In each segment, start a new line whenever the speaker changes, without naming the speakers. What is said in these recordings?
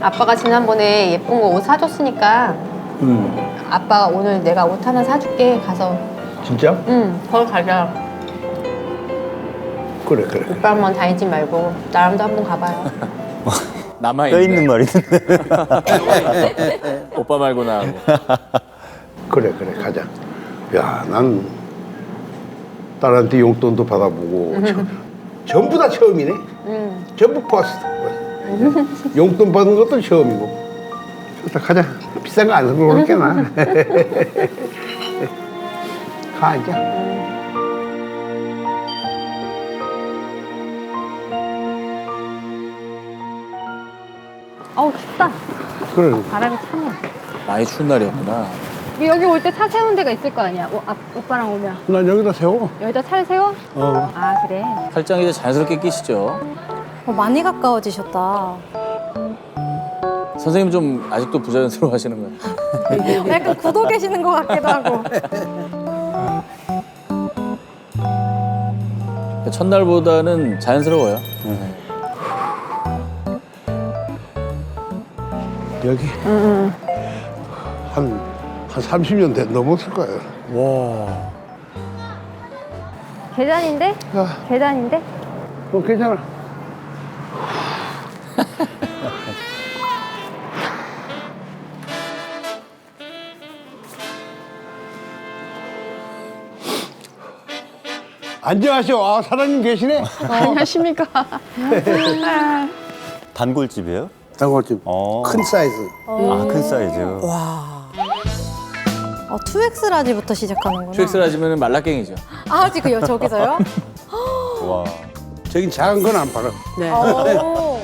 아빠가 지난번에 예쁜 거 옷 사줬으니까 아빠 오늘 내가 옷 하나 사줄게. 가서.
진짜?
응, 거기 가자.
그래 그래.
오빠만 다니지 말고 나랑도 한번 가봐요.
남아
뼈 있는 말인데.
오빠 말고 나하고.
그래 그래 가자. 야, 난 딸한테 용돈도 받아보고 전부 다 처음이네. 전부 퍼스트. 용돈 받은 것도 처음이고. 좋다 가자. 비싼 거 안 사고 그렇게나. 가 앉아.
어우 춥다.
그래.
바람이 차네.
많이 추운 날이었구나.
여기 올 때 차 세운 데가 있을 거 아니야. 오빠랑 오면.
난 여기다 세워.
여기다 차를 세워?
어.
아 그래.
팔짱 이제 자연스럽게 끼시죠.
많이 가까워지셨다.
선생님 좀 아직도 부자연스러워 하시는 거예요.
약간 굳어 계시는 것 같기도 하고.
첫날보다는 자연스러워요.
여기 한 30년 넘었을 거예요.
와.
계단인데?
아,
계단인데?
괜찮아. 안녕하세요. 아, 사장님 계시네.
안녕하십니까.
단골집이에요?
단골집. 큰 사이즈.
아, 큰 사이즈.
와. 2X라지부터 시작하는구나.
QX라지면 말라깽이죠.
아, 지금 저기서요?
와.
저긴 작은 건 안 팔아.
오.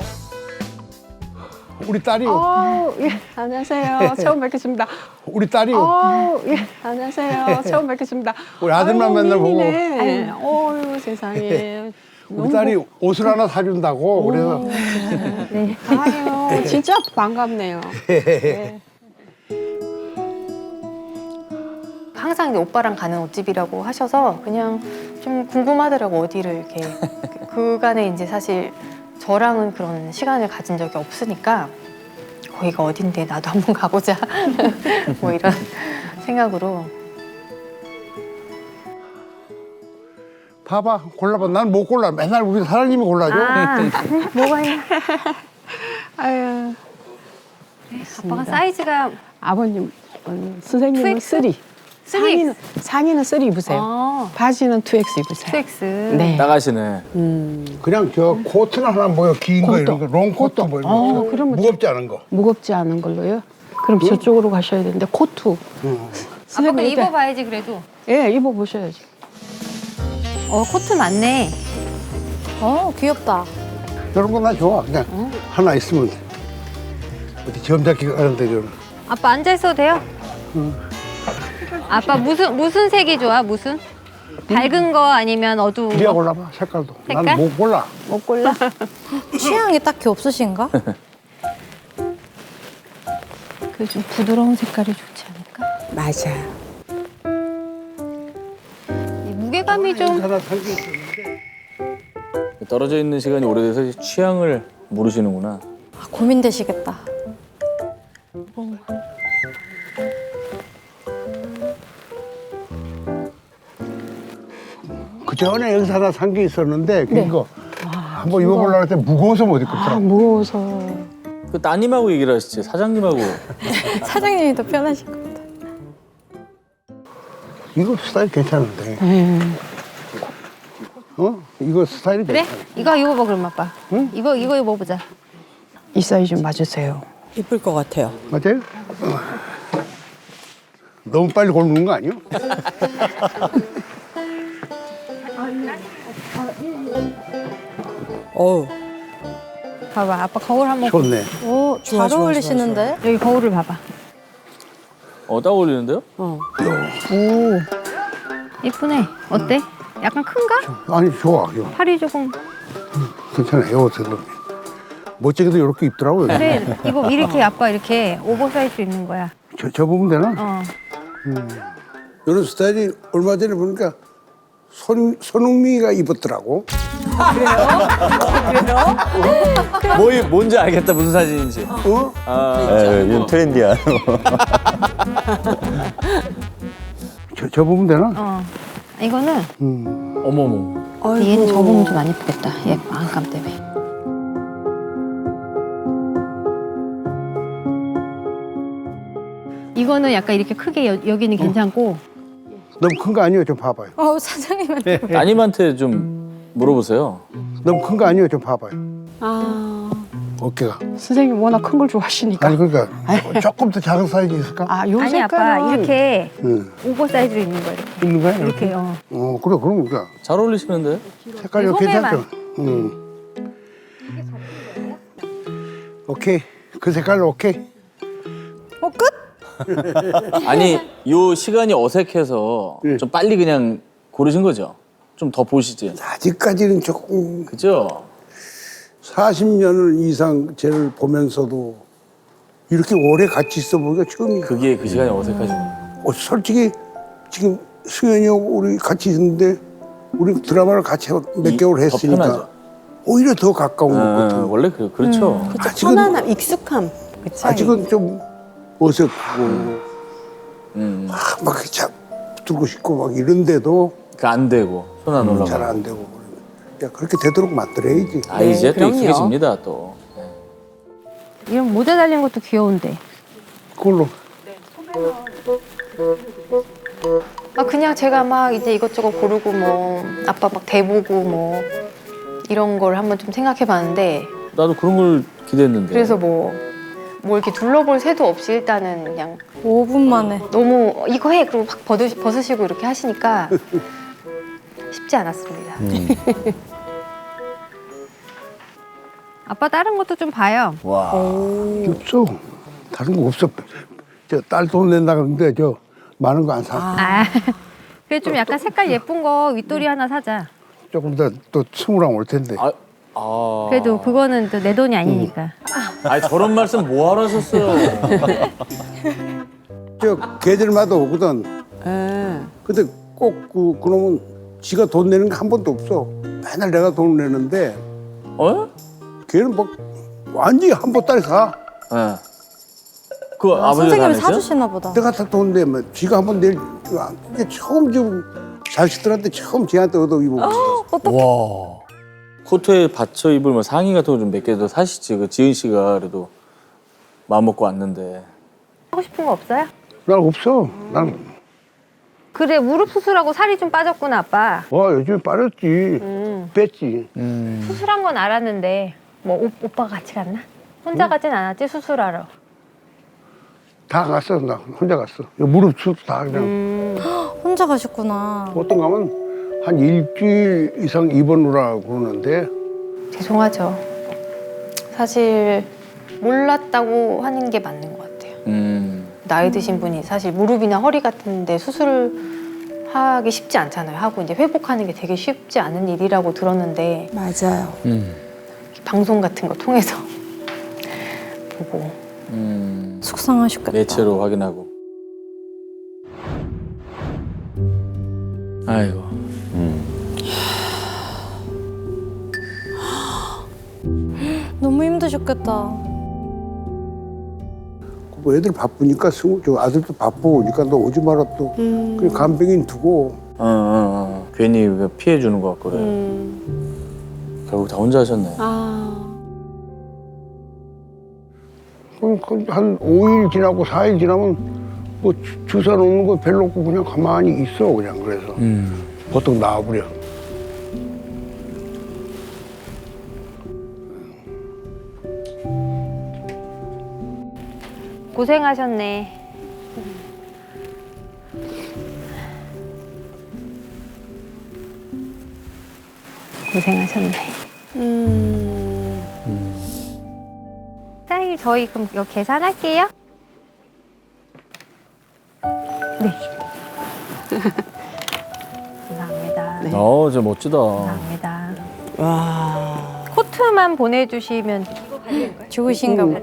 우리 딸이요.
예, 안녕하세요. 처음 뵙겠습니다.
우리 딸이요.
예, 안녕하세요. 처음 뵙겠습니다.
우리 아들만 맨날 보고.
미인이네. 어유 세상에.
우리 딸이 옷을 하나 사준다고 그래서
네. 아유, 진짜 반갑네요. 네. 항상 이제 오빠랑 가는 옷집이라고 하셔서 그냥 좀 궁금하더라고 어디를 이렇게 그간에 이제 사실 저랑은 그런 시간을 가진 적이 없으니까 거기가 어딘데 나도 한번 가보자 뭐 이런 생각으로.
봐봐 골라봐. 난 못 골라. 맨날 우리 사장님이 골라줘.
뭐가 있나?
아유,
아빠가 사이즈가
아버님, 선생님은
2X?
3. 상의는 3 입으세요.
아,
바지는 2X 입으세요.
2X.
네.
나가시네.
그냥 저 코트나 하나 뭐요 긴 거 이런 거 롱코트 뭐 이런 거
그러면
무겁지 않은 거.
무겁지 않은 걸로요? 그럼 저쪽으로 가셔야 되는데 코트.
아빠 그
일단-
입어봐야지 그래도.
예, 입어보셔야지.
코트 많네.
귀엽다.
이런 거 나 좋아. 그냥 하나 있으면 돼. 어디 점잡기 가는데 저는
아빠 앉아 있어도 돼요? 아빠 무슨 색이 좋아? 무슨? 밝은 거 아니면 어두운
네가
거?
골라봐 색깔도.
색깔?
난 못 골라.
못 골라.
취향이 딱히 없으신가?
그 좀 부드러운 색깔이 좋지 않을까?
맞아.
이 무게감이 좀.
하나 산게 있었는데
떨어져 있는 시간이 오래돼서 취향을 모르시는구나.
아, 고민되시겠다.
그 전에 여기서 하나 산 게 있었는데
네.
그거 한번 입어보려고 했더니 무거워서 못 입겠더라고.
아, 무거워서.
그 따님하고 얘기를 하시지. 사장님하고.
사장님이 더 편하실 것 같아.
이거 스타일 괜찮은데. 이거 스타일이
그래?
괜찮아.
이거 입어봐 그럼 아빠.
응?
이거 입어보자.
이 사이즈 좀 맞으세요.
이쁠 것 같아요.
맞아요? 너무 빨리 고르는 거 아니요?
어우,
봐봐 아빠 거울 한번.
좋네.
오,
좋아,
잘
좋아,
어울리시는데?
여기 거울을 봐봐.
딱 어울리는데요?
오. 이쁘네. 어때? 약간 큰가?
아니 좋아. 이거.
팔이 조금.
괜찮아. 이 옷은 멋지게도 이렇게 입더라고요.
그래 이거 이렇게 아빠 이렇게 오버사이즈 입는 거야.
저 부분 되나?
어.
이런 스타일이 얼마 전에 보니까 손흥민이가 입었더라고.
뭔지 알겠다. 무슨 사진인지.
어?
요즘 트렌디한.
저 보면 되나?
어. 이거는
어머머.
얘는 저 보면 좀 안 예쁘겠다. 얘 안감 때문에. 이거는 약간 이렇게 크게 여기는 괜찮고
너무 큰 거 아니에요? 좀 봐봐요.
사장님한테.
따님한테 좀 물어보세요.
너무 큰 거 아니에요? 좀 봐봐요.
아,
어깨가.
선생님 워낙 큰 걸 좋아하시니까.
아니 그러니까 조금 더 작은 사이즈 있을까?
아, 요
아니
색깔은
아빠 이렇게
응.
오버사이즈로 입는 거예요.
있는 거야?
이렇게
그래 그럼 그러니까
잘 어울리시는데?
색깔이
소매만.
괜찮죠? 오케이 그 색깔로 오케이.
끝?
아니 요 시간이 어색해서
예.
좀 빨리 그냥 고르신 거죠? 좀 더 보시지.
아직까지는 조금
그죠?
40년을 이상 쟤를 보면서도 이렇게 오래 같이 있어 보기가 처음이야.
그게 그 시간이 어색하죠.
솔직히 지금 승현이하고 우리 같이 있는데 우리 드라마를 같이 몇 개월
더
했으니까
편하죠.
오히려 더 가까운 것 같아.
원래 그렇죠.
아직은
편안함, 익숙함. 그치?
아직은 좀 어색하고
음.
막 잡들고 싶고 막 이런데도
그 안 되고 손 안 올라가.
잘 안 되고 야 그렇게 되도록 만들어야지.
아 이제 또
그럼요.
익숙해집니다 또.
이런 모자 달린 것도 귀여운데.
그걸로
그냥 제가 막 이제 이것저것 고르고 뭐 아빠 막 대보고 뭐 이런 걸 한번 좀 생각해봤는데
나도 그런 걸 기대했는데.
그래서 뭐 이렇게 둘러볼 새도 없이 일단은 그냥
5분 만에.
너무 이거 해 그리고 막 벗으시고 이렇게 하시니까 쉽지 않았습니다. 아빠 다른 것도 좀 봐요.
와.
없어. 다른 거 없어. 저 딸 돈 낸다 그러는데 저 많은 거 안 사.
그래 좀 약간 색깔 예쁜 거 윗도리 하나 사자.
조금 더 또 스물랑 올 텐데.
그래도 그거는 또 내 돈이 아니니까.
아니 저런 말씀 뭐하러 하셨어요?
저 계절마다 오거든. 근데 꼭 그놈은 지가 돈 내는 게 한 번도 없어. 맨날 내가 돈 내는데
어?
걔는 막 완전히 한 보따리 사.
네. 그 아버지가
선생님이
안 했어요?
사주시나 보다.
내가 다 돈 내면 지가 한 번 낼. 이게 처음 좀 자식들한테 처음 쟤한테 얻어 입어봤어.
와. 코트에 받쳐 입을 뭐 상의 같은 거 좀 몇 개 더 사시지. 그 지은 씨가 그래도 마음 먹고 왔는데.
하고 싶은 거 없어요?
난 없어. 난
그래 무릎 수술하고 살이 좀 빠졌구나 아빠.
와 요즘에 빠졌지. 뺐지.
수술한 건 알았는데 뭐 오빠가 같이 갔나? 혼자 가진 않았지 수술하러.
다 갔어. 나 혼자 갔어. 무릎 수도 다 그냥.
혼자 가셨구나.
보통 가면 한 일주일 이상 입원하라고 그러는데
죄송하죠. 사실 몰랐다고 하는 게 맞는 것 같아요. 나이 드신 분이 사실 무릎이나 허리 같은데 수술을 하기 쉽지 않잖아요. 하고 이제 회복하는 게 되게 쉽지 않은 일이라고 들었는데
맞아요.
방송 같은 거 통해서 보고
속상하셨겠다.
매체로 확인하고. 아이고.
너무 힘드셨겠다.
뭐 애들 바쁘니까 저 아들도 바쁘고 그러니까 너 오지 마라 또 그냥 간병인 두고
괜히 피해 주는 것 같고 그래. 결국 다 혼자 하셨네.
그럼 한 5일 지나고 4일 지나면 뭐 주사 놓는 거 별로 없고 그냥 가만히 있어 그냥 그래서 보통 나와버려.
고생하셨네. 고생하셨네. 사장님 저희 그럼 이거 계산할게요. 네. 감사합니다.
진짜 멋지다.
감사합니다. 코트만 보내주시면
좋으신가 보다.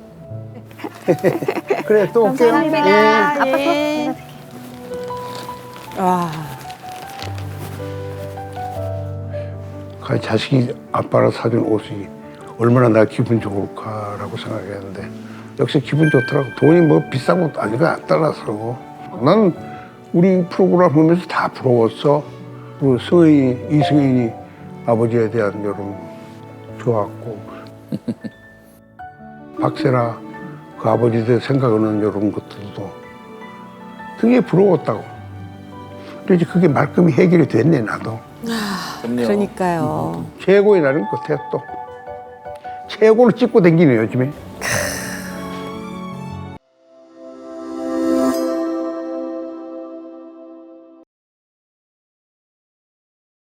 그래 또 올게요.
감사합니다. 아빠 또
와.
그 자식이 아빠랑 사준 옷이 얼마나 내가 기분 좋을까라고 생각했는데 역시 기분 좋더라고. 돈이 뭐 비싼 것도 아니고 안 따라서. 난 우리 프로그램 보면서 다 부러웠어. 그리고 이승인이 아버지에 대한 여름 좋았고 박세라 그 아버지에 대해 생각하는 이런 것들도 되게 부러웠다고. 그래서 그게 말끔히 해결이 됐네 나도.
그러니까요.
최고의 날인 것 같아 또. 최고를 찍고 다니네 요즘에.